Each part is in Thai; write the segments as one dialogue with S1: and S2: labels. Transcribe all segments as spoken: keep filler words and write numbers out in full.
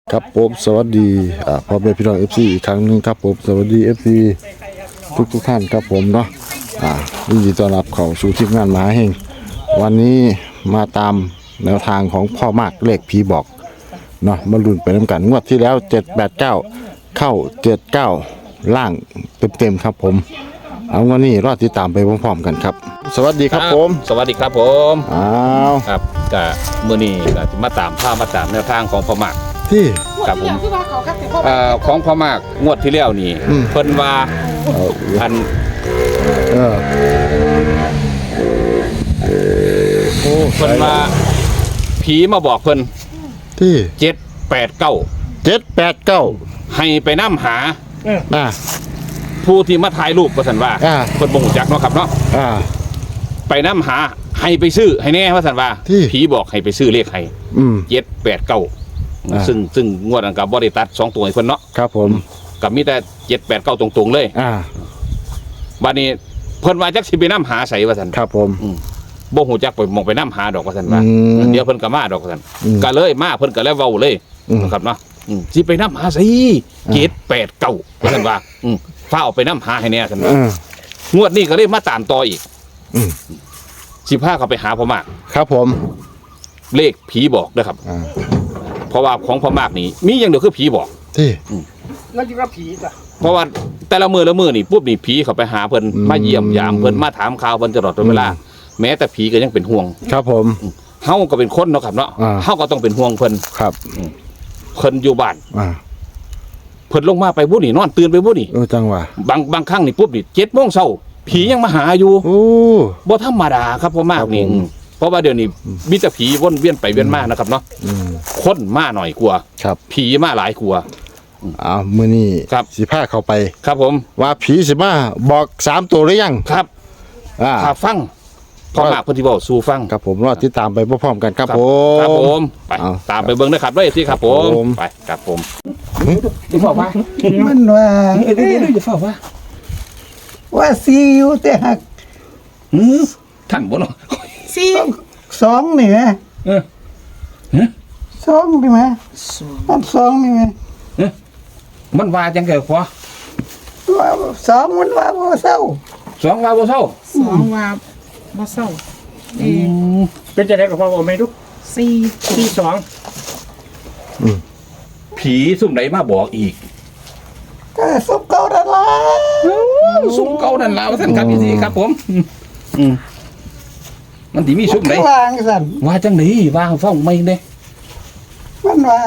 S1: ครับผมสวัสดีอ่าพ่อแม่พี่น้อง เอฟ ซี อีกครั้งหนึงครับผมสวัสดี เอฟ ซี ทุกทุกท่านครับผมเนาะอ่ายินดีต้อนรับเข้าสู่ทีมงานมหาเฮงวันนี้มาตามแนวทางของพ่อมากเลขผีบอกเนาะมาลุ้นไปน้ำกันงวดที่แล้วเจ็ด แปด เก้าเข้าเจ็ด เก้าล่างเต็มๆครับผมเอาวันนี้รอติดตามไปพร้อมๆกันครับสวัสดีครับผม
S2: สวัสดีครับผม
S1: อ้าว
S2: ครับก็มื้อนี้ก็สิมาตามภาพมาตามแนวทางของพ่อมาก
S1: ที่
S2: ครับผมเอ่อของพ่อมากงวดที่แล้วนี่
S1: อืม
S2: เพิ่นว่า
S1: เอา
S2: อัน
S1: เออโอ้
S2: เพิ่นว่าผีมาบอกเพิ่น
S1: ที่
S2: เจ็ด แปด เก้า
S1: เจ็ดแปดเก้า
S2: ให้ไปนำหา
S1: อ่า
S2: ผู้ที่มาถ่ายรูปว่าซั่นว่า
S1: อ่า
S2: เพิ่นบ่ฮู้จักเนาะครับเนาะ
S1: อ่า
S2: ไปนำหาให้ไปซื้อให้แน่ว่าซั่นว่า
S1: ที่
S2: ผีบอกให้ไปซื้อเลขให้
S1: อืม
S2: เจ็ด แปด เก้า
S1: อ่า
S2: ซึ่งซึ่งงวดนั้นก็บ่ได้ตัดสองตัวให้เพิ่นเนาะ
S1: ครับผม
S2: ก็มีแต่เจ็ด แปด เก้าตรงๆเลย
S1: อ่า
S2: บัดนี้เพิ่นว่าจักสิไปนำหาไสว่าซั่น
S1: ครับผม
S2: บ่ฮู้จักไปมองไปนำหาดอกว่าซั่นว่า
S1: อืม
S2: เดี๋ยวเพิ่นก็มาดอกว่าซั่น
S1: อืม
S2: ก็เลยมาเพิ่นก็เลยเว้าเลย
S1: อืม
S2: นะครับเนาะอืมสิไปนำหาไสเจ็ด แปด เก้าว่าซั่นว่าอืมฟ้าเอาไปนำหาให้แน่ซั่นว่า
S1: อ่าง
S2: วดนี้ก็เลยมาตามต่ออีก
S1: อืม
S2: สิพาเขาไปหาพ่อมาก
S1: ครับผม
S2: เลขผีบอกเด้อครับ
S1: อ่า
S2: เพราะว่าของพ่อมากนี่มีอย่างเดียวคือผีบอก
S1: ที่
S3: แล้วอยู่กับผีจ้ะ
S2: เพราะว่าแต่ละมือละมือนี่ปุ๊บนี่ผีเขาไปหาเพิ่น
S1: อืม
S2: มาเยี่ยมยามเพิ่นมาถามข่าวเพิ่นตลอดเวลา แม้แต่ผีก็ยังเป็นห่วง
S1: ครับผม
S2: เฮาก็เป็นคนเนาะครับเนาะ
S1: อ่า
S2: เฮาก็ต้องเป็นห่วงเพิ่น
S1: ครับ
S2: เพิ่นอยู่บ้าน
S1: อ่า
S2: เพิ่นลงมาไปบุนี่นอนตื่นไปบุนี่
S1: เออจังหวะ
S2: บางบางครั้งนี่ปุ๊บนี่เจ็ดโมงเช้าผียังมาหาอยู่
S1: โอ้
S2: บ่ธรรมดาครับพ่อมากนี่
S1: ครับผม
S2: อืมเพราะว่าเดี๋ยวนี้มีแต่ผีวนเวียนไปเวียนมานะครับเนาะ
S1: อืม
S2: คนมาหน่อยกลัวา
S1: ครับ
S2: ผีมาหลายกลัวา
S1: อ้าวมื้อนี้
S2: ครับ
S1: สิพาเข้าไป
S2: ครับผม
S1: ว่าผีสิมาบอกสามตัวหรือยัง
S2: ครับ
S1: อ่า
S2: ถ้าฟังพ่อมากเพิ่นสิเว้าสู่ฟัง
S1: ครับผมรอติดตามไปพร้อมๆกันครับผม
S2: ครับผมไป
S1: เอา
S2: ตามไปเบิ่งนะครับด้วยที่ครับผ
S1: ครับผม ม
S2: ไปครับผมเดี๋ยวบอกว่า
S3: มันว่า
S2: เดี๋ยวเดี๋ยวเดี๋ยวบอกว่า
S3: ว่าซีอยู่แต่หัก
S2: อืมท่านบ่เนาะ
S3: ซีสองนี่ไหม
S2: เออ
S3: สองนี่ไหมมันสองนี่ไหม
S2: มันว่าจังไงพอ
S3: ว่าสองมันว่าบ่เศร้า
S2: สองว่าบ่เศร้า
S4: สองว่าบ่เศร้าเออ
S5: เป็นจะได้กับพ่อผมไหมทุก
S4: สี่
S5: ที่สอง
S2: ผีซุ่มไหนมาบอกอีก
S3: ก็สมเก่าดันละ
S2: ซุ่มเก่านั่นล่ะว่าท่านครับพี่สิครับผมอืมอืมมันสิมีซุ่มไหน
S3: วางสั่น
S2: ว่าจังไดว่าให้ฟังไม่เด้
S3: มันว่า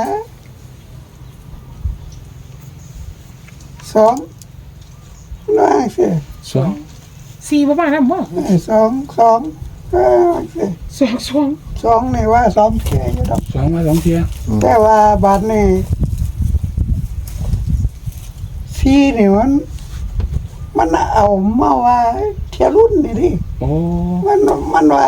S3: สองวางสิ
S2: สอง
S4: สี่บ่มานํบ่
S3: สองสองวางสิ
S4: สองสอง
S3: สองนี่ว่าสองเทียอยู่ดอก
S2: สองมาสองเทีย
S3: แต่ว่าบาดนี่ซีนี่มัน มันเอามาว่าเทียรุ่นนี่ดิ
S2: โอ้
S3: มันมันว่า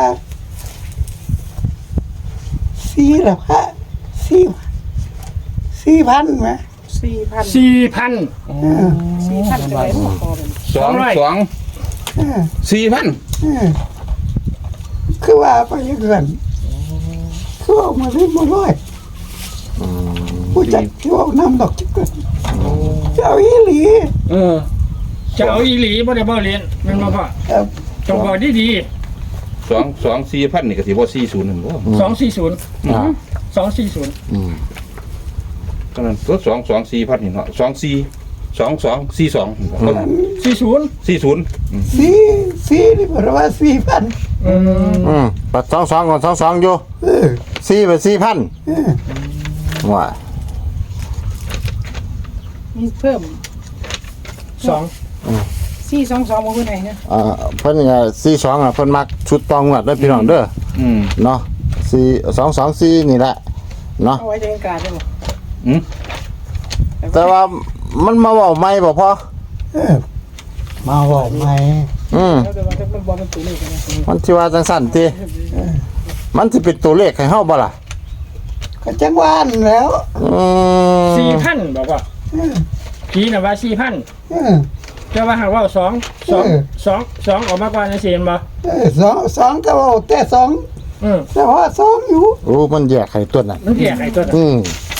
S3: สี่ละพะสี่สี่พันไหม
S4: สี่พัน
S5: สี่พัน
S4: สี่พันจะได้บ่พอเป็น
S2: สอง
S5: สองร้อย
S2: สอง
S3: เออ
S2: สี่พัน
S3: เออคือว่าไปยังเงินคือเอามาเล่นมาร้อยผู้จัดที่ว่าน้ำดอกจิกเกินเจ้าอีหลี
S2: เออ
S5: จะเอาอีหลีบ่ได้บ่เรียนแมันมาพ่อ
S3: เอ่อ
S5: จงบอกดีดี
S2: สองสองสี่พันนี่ก็สิบ่สี่ศูนย์นั่นบ่
S5: สองสี่ศูนย์
S1: อ่า
S5: สองสี่ศูนย์
S1: อืม
S2: ก็นั่นตัวสองสองสี่พันนี่เนาะสองสี่สองสองสี่สอง
S5: สี่ศูนย์
S2: สี่ศูนย์
S3: สี่สี่นี่เพราะว่าสี่พัน
S5: อืม
S1: อืมปัดสองสองก่อนสองสองอยู่
S3: เออ
S1: สี่ไปสี่พัน
S3: เออ
S1: ว่า
S4: มีเพิ่ม
S5: สอง
S4: สี่สองสองบ่คือไหนเนี่ย
S1: อ่าเพิ่นก็สี่สองอ่ะเพิ่นมักชุดตองวัดเด้อพี่น้องเด้อ
S2: อืม
S1: เนาะสี่สองสองสี่นี่แหละเนาะ
S4: เอาไว้ในการได้บ่
S2: อืม
S1: แต่ว่ามันมาเว้าใหม่บ่พอ
S3: เออมาบอกไหม
S1: อืม
S4: แล้วแต่ว่ามันบ่เป็นตัวเลขนะ
S1: มันสิว่าจังซั่นติมันสิเป็นตัวเลขให้เฮาบ่ล่ะ
S3: ก็จังหวานแล้ว
S1: อืม
S5: สี่พันบอกว่า
S3: เออ
S5: ผีน่ะว่าสี่พัน
S3: เออ
S5: จะว่าหากว่าสองสอง
S3: เออ
S5: สองสองออกมากกว่าในเสียนบ่
S3: เออสองสองก็ว่าแต่สอง
S5: อืม
S3: แต่ว่าสองอยู่
S1: โอ้มันแยกให้ตัวนั้น
S5: มันแยกไอ้ตัวนั้น
S1: อืม
S3: สี่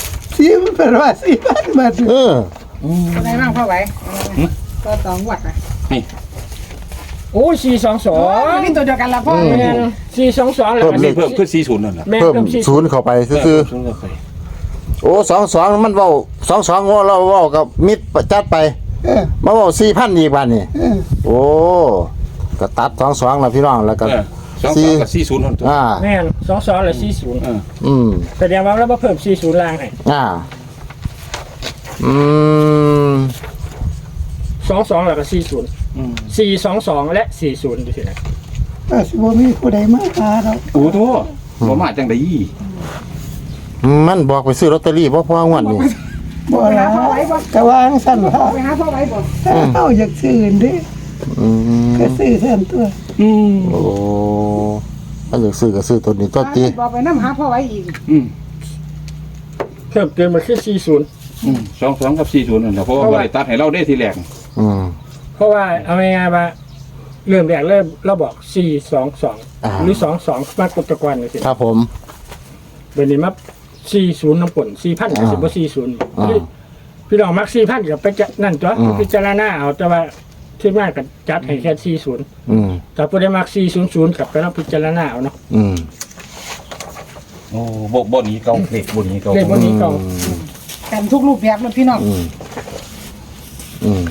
S3: สีมันเป็นว่าสี่พันบาท
S1: เออ
S4: อะไรบ้างพ่อไหวก็สองวัดนะ
S5: โอ้สี่สองสอ
S4: โอ้
S5: ง
S4: นี่ตัวเดียวกันละพ่อ
S5: แม่นสี่สองสองแล้ว
S1: เพิ่ม
S5: ก็
S1: เล
S2: นี่
S1: ข
S2: เพิ่มขึ้นสี่ศูนย์นั่นแหละ
S5: แม่น
S1: เพิ่ม
S5: เพิ่มสี่
S1: ศูนย์เข้าไปซื่อ
S2: ศูนย์ก็ไป
S1: ๆโอ้สองสองมันเว้าสองสองเราเว้ากับมิตรจัดไป
S3: เออ
S1: มาเว้าสี่พันอีกบาทนี่
S3: เออ
S1: โอ้ก็ตัดสองสองแล้วพี่น้องแล้วก็
S2: เออสองสองกับสี่ศูนย์นั่นตัว
S1: อ่า
S5: แม่นสองสองแล้วสี่ศูนย์
S2: เออ
S1: อืม
S5: แสดงว่าเราบ่เพิ่มสี่ศูนย์ล่างให้
S1: อ่าอืม
S5: สองสองแล้วก็สี่ศูนย์
S2: อืม
S5: สี่สองสองและสี่ศูนย์ดูสินะ
S3: ก็สิบ่มีผู้ใดมาหาเรา
S2: โอ้โหบ่มาจังได๋
S1: มันบอกไปซื้อลอตเตอรี่บ่พองวดนี่
S3: บ่ล่ะก็วางสั่นว่า
S4: ไปหาพ่อไหวบ่
S3: เฮาอยากซื้อเด้
S1: อืม
S3: ก็ซื้อแทนตัว
S2: อืม
S1: โอ้ถ้าอยากซื้อก็ซื้อตัวนี้ตัวตี
S4: บอกไปน้ำหาพ่อไหวอีก
S2: อืม
S5: เพิ่มเติมมาขึ้นสี่ศูนย์
S2: อืมสองสองกับสี่ศูนย์นั่นแหละเพราะว่าบ่ได้ตัดให้เราได้ทีแรก
S1: อืม
S5: เพราะว่าเอาง่ายๆว่าเริ่มแรกเริ่มเราบอกสี่สองสอง
S1: อ่า
S5: หรือสองสองมากดตะกอนเลยสิ
S1: ครับผม
S5: เดี๋ยวนี้มาสี่ศูนย์น้ำป่นสี่พันกับสิบว่าสี่ศูนย์
S1: อ่า
S5: พี่น้องมักสี่พันกับไปจะนั่นตัว
S1: อืม
S5: พิจารณาเอาแต่ว่าที่มากกับจัดให้แค่สี่ศูนย์
S1: อืม
S5: แต่ผู้ได้มักสี่ศูนย์ศูนย์กับไปต้องพิจารณาเอาเนาะ
S1: อืม
S2: โอ้บ่บ่หนี้เก่าเลขบ่หนี้เก่า
S5: เลขวันนี้ก็
S4: กันทุกรูปแบบเลยพี่น้อง
S1: อืมอืม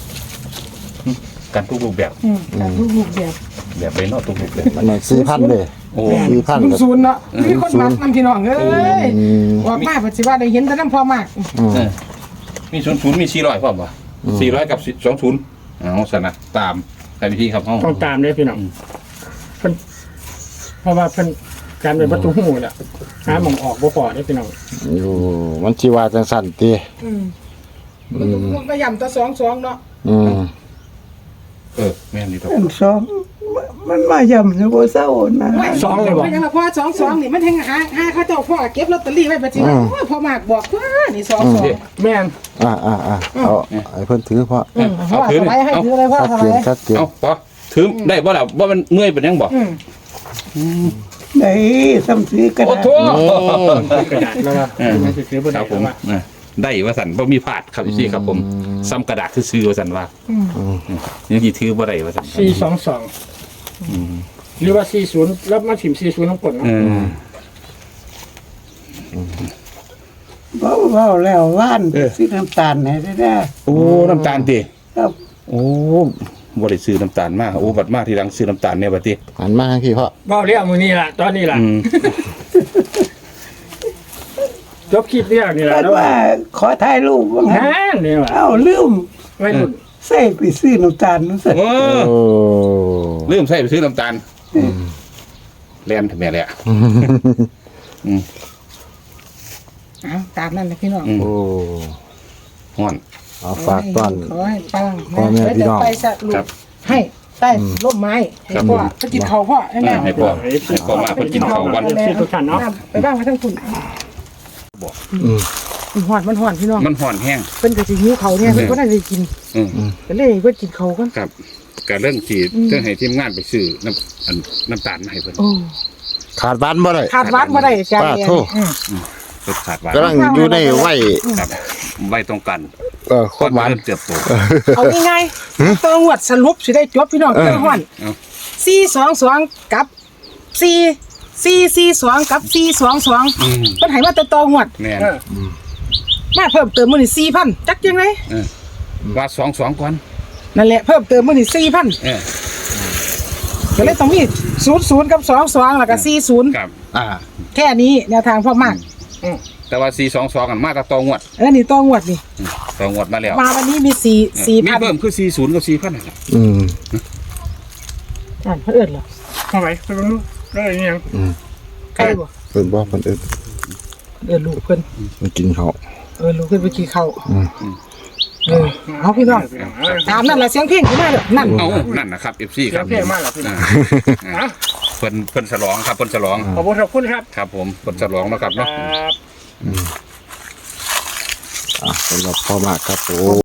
S2: กันทุกรูปแบบ
S4: อืมกันทุกรูปแบบ
S2: แบบไปเนาะทุกรูปแบบ
S1: อันนั้นสี่พันเลย
S2: โอ้
S1: สี่พัน
S4: ศูน
S1: ก็
S4: ย์ศูนย์เนาะมีคนมักนำพี่น้องเอ้ย
S1: อืม
S4: บอกมาปัจจุบันได้เห็นแต่น้ำพอมาก
S1: อืม
S2: เออมีศูนย์ศูนย์มีสี่ร้อยพร้อมบ่สี่ร้อยกับสองศูนย์เอาซะนะตามใส่วิธีครับเฮา
S5: ต้องตามเลยพี่น้องเพิ่นเพราะว่าเพิ่นการเป็นประตูหูแหละหาหมองออกบ่พอได้พี่น้อง
S1: อยู่มันชีว่าจังสั่นตี
S4: อืมมันก็ย่ำตัวสองสองเนาะ
S1: อืม
S2: เออแม่นนี่ดอก
S3: อันสองมันมาย่ำอยู่บ่เศร้านะ
S5: สองเลยบอก
S4: ไม่ยังละพ่อสองสองนี่มันแทงหาหาเขาเจ้าพ่อเก็บลอตเตอรี่ไว้ปัจจุบันโอ้ยพ่อมากบอกว่านี่สองสอง
S5: แม่น
S1: อ่าอ่าอ่าเอาไอ้เพิ่นถือเพราะ
S4: อืมพ่อสบายให้ถือเลยพ่อ
S1: ชัด
S4: ส
S1: เจ
S4: บาน ย
S1: ชัดเจน
S2: เอาพอถือได้บ่ล่ะว่ามันเมื่อยเป็นยังบ่
S4: อืม
S3: ได้ซ้ำซื้อกัน
S2: โอ้โถ
S5: กระดาษแล้วว่า
S2: เออ
S5: ไม่ใช่ถือบ่
S2: ค
S5: ได้
S2: รับผม
S5: ว่า
S2: เออได้ว่าสันบ่มีพลาดครับพี่ครับผมซ้ำกระดาษซื่อๆว่าสันว่า
S4: อืม
S2: ยังสิถือบ่ได้ว่าสัน
S5: สี่สองสองหรือว่าสี่ศูนย์แล้วมาถิ่มสี่ศูนย์ทั้งหมดเนาะ
S2: เออ
S3: เบาเบาแล้วว่านซื้อน้ำตาลให้ได้ได้
S2: โอ้น้ำตาลติ
S3: ครับ
S2: โอ้บ่ได้ซื้อน้ำตาลมาโอ้บัดมาทีหลังซื้อน้ำตาลเนี่ยบัดติ
S1: หันมาให้พี่เพราะ
S5: เบ้าเรียกมือนี่ล่ะตอนนี้ล่ะ
S2: อืม
S5: จบคลิปเรียกนี่ล่ะ
S3: คิด
S5: แล้ว
S3: ว่าขอถ่ายรูปว่า
S5: แห
S3: งั้น
S5: มนี่ว่ะ
S3: เอ้าลืม
S5: ไม่หลุด
S3: ใส่ไปซื้อน้ำตาลนั่นสิ
S2: โอ้
S1: โอ้
S2: ลืมใส่ไปซื้อน้ำตาลแล่นทำไมแหละอืม
S4: เอาตามนั่นเลยพี่น้อง
S2: อืม
S1: โอ้
S2: ฮ้อน
S1: เอาฝากต้อน
S4: ขอให้ปัง
S1: พ่อแม่พี่น้อง
S4: ไปสรุปให้ใต้ร่มไม้ให้พ่อไปกินเขาพ่อให้แม่
S2: ให้พ่อให้พ่อมาเพิ่นกินข้าววัน
S5: ที่ทุกท่านเนาะ
S4: ไปบ้างมาทั้งคุณ
S1: อืม
S4: มันหอนมันหอนพี่น้อง
S2: มันฮ้อนแห้ง
S4: เป็นกระสิหิวเขาเนี่ยเพิ่นก็ได้กิน
S2: อืม
S4: ก็เลยเพิ่นกินเขากัน
S2: ครับก็เรื่องที่เรื่องให้ทีมงานไปซื้อน้ำอันน้ำตาลมาให้เพิ่น
S4: โอ้
S1: ขาดบ้านบ่ได้
S4: ขาดวัดมาได้จาน
S1: ป้า
S4: เดีย
S1: โท
S4: ว
S1: ษ
S2: เพิ่นขาดหวาน
S1: กำลังอยู่ในไว้
S2: ครับไว้ตรงกัน
S1: เออความหวาน
S2: เริ่มเติบโต
S4: เอาง่ายๆตัวงวดสรุปสิได้จบพี่น้องเจ้าฮ้อน
S2: เอา
S4: สี่สองสองกับสี่สี่สี่สองกับสี่สองสอง
S2: อืม
S4: เพิ่นให้มาแต่ตัวงวด
S2: แม่น
S5: เออ
S4: มาเพิ่มเติมมื้อนี้สี่พันจักยังไง
S2: เออว่าสองสองก่อน
S4: นั่นแหละเพิ่มเติมมื้อนี้สี่พัน
S2: เออ
S4: ก็เลยต้องมีศูนย์ศูนย์กับสองสองแล้วก็สี่ศูนย์
S2: ครับ
S1: อ่า
S4: แค่นี้แนวทางพ่อมาก
S2: แต่ว่าสี่สองสองกันมากับตองวด
S4: เออนี่ตัวงวดนี่
S2: อืมตองวดมาแล้ว
S4: มาวันนี้มีสี่สี่
S2: มี
S4: พัน
S2: เพิ่มคือสี่ศูนย์กับสี่พันนั่นแหละ
S1: อืม
S4: อ่านเพิ่นเอิ้นเหรอ
S5: เข้าไปไปดูได้ยัง
S4: ใกล้บ่
S1: เพิ่นบ่เพิ่นเอิ้น
S4: เอิ้นลูกเพิ่น
S1: มันกินเขาว
S4: เออลูกเพิ่นไปกินข้าว
S1: อืม
S4: เออเอาพี่น้องตามนั่นล่ะเสียงเพลงขึ้นมาเด้อนั่น
S2: เอานั่นนะครับเอฟซีค
S5: เสีย
S2: รั
S5: ง
S2: บ
S5: เพลงมากเหรอพี่น้อง
S2: อ่าเพิ่นเพิ่นฉลองครับเพิ่นฉลอง
S5: ขอบคุณขอบคุณครับ
S2: ครับผมเพิ่นฉลองนะครับ
S5: ครั
S2: เนาะ
S5: บ
S1: อ่าสำหรับพ่อมากครับผม